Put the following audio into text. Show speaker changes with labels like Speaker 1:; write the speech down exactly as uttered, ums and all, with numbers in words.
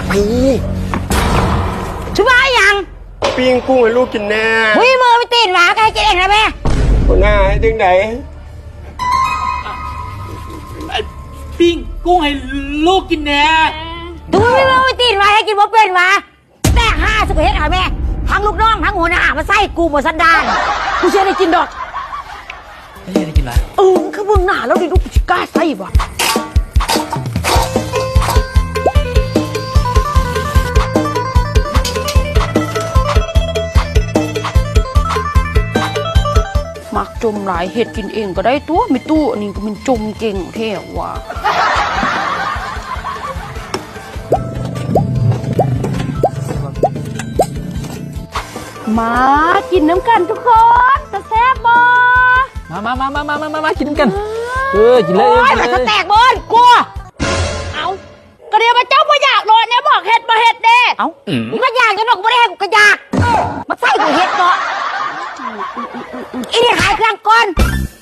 Speaker 1: ช่วยยัง
Speaker 2: ปิ้งกุ้งให้ลูกกินแน่
Speaker 1: หุยมือไปตีนหมาใครกินเองนะแม่
Speaker 2: หัวหน้าให้ถึงไหน
Speaker 3: ปิ้งกุ้งให้ลูกกินแน่
Speaker 1: ดูไม่มือไปตีนหมาให้กินบ่เป็นหมาแต่ห้าสุกเฮ็ดหาแม่ทั้งลูกน้องทั้งหัวหน้ามาใส่กูหมดสันดานกูเชื่อได้กินดอก
Speaker 3: ไม่ได้กินอะไร
Speaker 1: เออคือมึงหน้าแล้วดิลูกกูจะกล้าใส่บ่มักจมหลายเห็ดกินเองก็ได้ตัวไม่ตู้อันนี้ก็มันจมเก่งแท้ว่ะมากินน้ำกันทุกคนจะแซ่บบ่
Speaker 3: มามามามามามามากินน้ำกันเออกินเลย
Speaker 1: โอ้ยมันจะแตกบนกลัวเอาก็เดี๋ยวมาเจ้าบ่อยากรอเนี่ยบอกเห็ดบ่เห็ดเด้เอามึงก็อยากจะดอกบ่ได้กูก็อยากมาใส่กูเห็ดเนาะอีนี่ขายเครื่องก่อน